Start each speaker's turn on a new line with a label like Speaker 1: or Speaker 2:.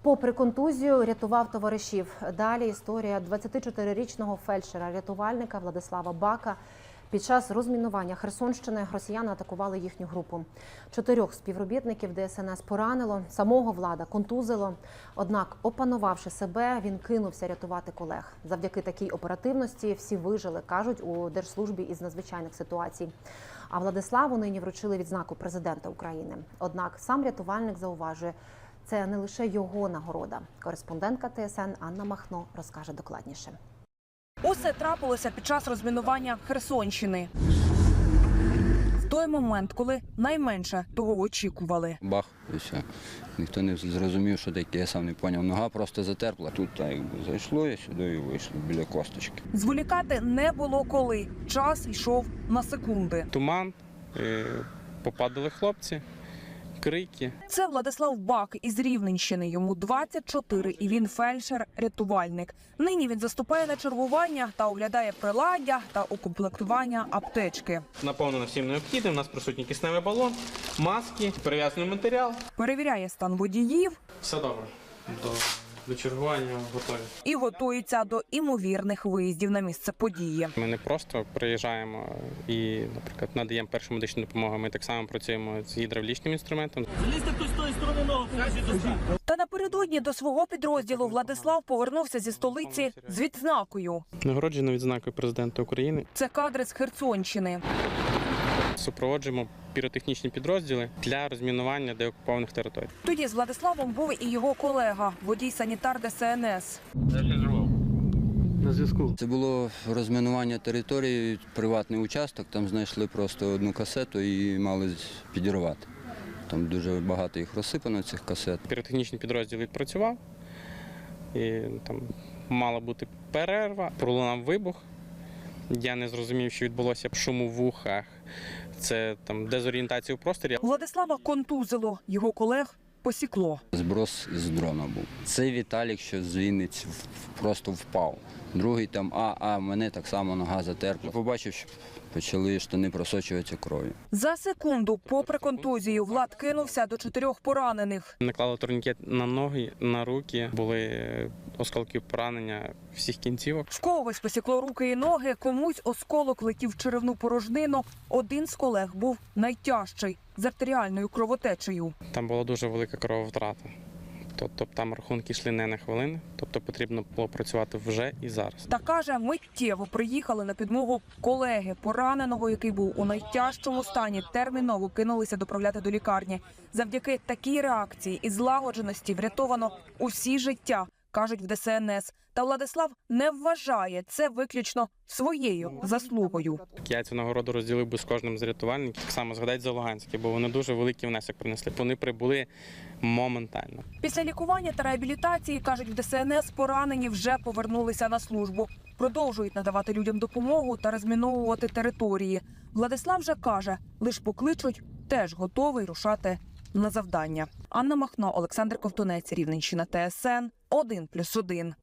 Speaker 1: Попри контузію, рятував товаришів. Далі історія 24-річного фельдшера-рятувальника Владислава Бака. Під час розмінування Херсонщини росіяни атакували їхню групу. 4 співробітників ДСНС поранило, самого Влада контузило. Однак, опанувавши себе, він кинувся рятувати колег. Завдяки такій оперативності всі вижили, кажуть у Держслужбі із надзвичайних ситуацій. А Владиславу нині вручили відзнаку президента України. Однак сам рятувальник зауважує, це не лише його нагорода. Кореспондентка ТСН Анна Махно розкаже докладніше.
Speaker 2: Усе трапилося під час розмінування Херсонщини. В той момент, коли найменше того очікували.
Speaker 3: Бах, і все. Ніхто не зрозумів, що таке, я сам не зрозумів. Нога просто затерпла. Тут так якби зайшло, я сюди і вийшло, біля косточки.
Speaker 2: Зволікати не було коли. Час йшов на секунди.
Speaker 4: Туман, попадали хлопці, крики.
Speaker 2: Це Владислав Бак із Рівненщини. Йому 24 і він фельдшер-рятувальник. Нині він заступає на чергування та оглядає приладдя та укомплектування аптечки.
Speaker 4: Наповнено всім необхідним. У нас присутній кисневий балон, маски, перев'язаний матеріал.
Speaker 2: Перевіряє стан водіїв.
Speaker 4: Все добре. До чергування готові.
Speaker 2: І готується до імовірних виїздів на місце події.
Speaker 4: Ми не просто приїжджаємо і, наприклад, надаємо першу медичну допомогу. Ми так само працюємо з гідравлічним інструментом.
Speaker 5: Залізьте хтось з тої сторони ногу,
Speaker 2: Та напередодні до свого підрозділу Владислав повернувся зі столиці з відзнакою.
Speaker 4: Нагороджено відзнакою президента України.
Speaker 2: Це кадри з Херсонщини.
Speaker 4: Супроводжуємо піротехнічні підрозділи для розмінування деокупованих територій.
Speaker 2: Тоді з Владиславом був і його колега, водій-санітар ДСНС.
Speaker 4: На зв'язку.
Speaker 3: Це було розмінування території, приватний участок, там знайшли просто одну касету і мали підірвати. Там дуже багато їх розсипано, цих касет.
Speaker 4: Піротехнічний підрозділ відпрацював, і там мала бути перерва, пролунав вибух. Я не зрозумів, що відбулося шум у вухах. Це там дезорієнтація у просторі.
Speaker 2: Владислава контузило, його колег посікло.
Speaker 3: Зброс із дрона був. Цей Віталік, що з Вінниці, просто впав. Другий там, мене так само нога затерпла. Побачив, що почали штани просочуватися кров'ю.
Speaker 2: За секунду, попри контузію, Влад кинувся до 4 поранених.
Speaker 4: Наклали турнікет на ноги, на руки, були осколки поранення всіх кінцівок.
Speaker 2: В когось посікло руки і ноги, комусь осколок летів в черевну порожнину. Один з колег був найтяжчий – з артеріальною кровотечею.
Speaker 4: Там була дуже велика крововтрата. Тобто там рахунки йшли не на хвилини, тобто потрібно було працювати вже і зараз.
Speaker 2: Та каже, миттєво приїхали на підмогу колеги. Пораненого, який був у найтяжчому стані, терміново кинулися доправляти до лікарні. Завдяки такій реакції і злагодженості врятовано усі життя, кажуть в ДСНС. Та Владислав не вважає це виключно своєю заслугою.
Speaker 4: Я цю нагороду розділив би з кожним з рятувальників. Так само згадать за Луганське, бо вони дуже великий внесок принесли. Вони прибули моментально.
Speaker 2: Після лікування та реабілітації, кажуть в ДСНС, поранені вже повернулися на службу. Продовжують надавати людям допомогу та розміновувати території. Владислав же каже, лиш покличуть, теж готовий рушати на завдання. Анна Махно, Олександр Ковтунець, Рівненщина, ТСН 1+1.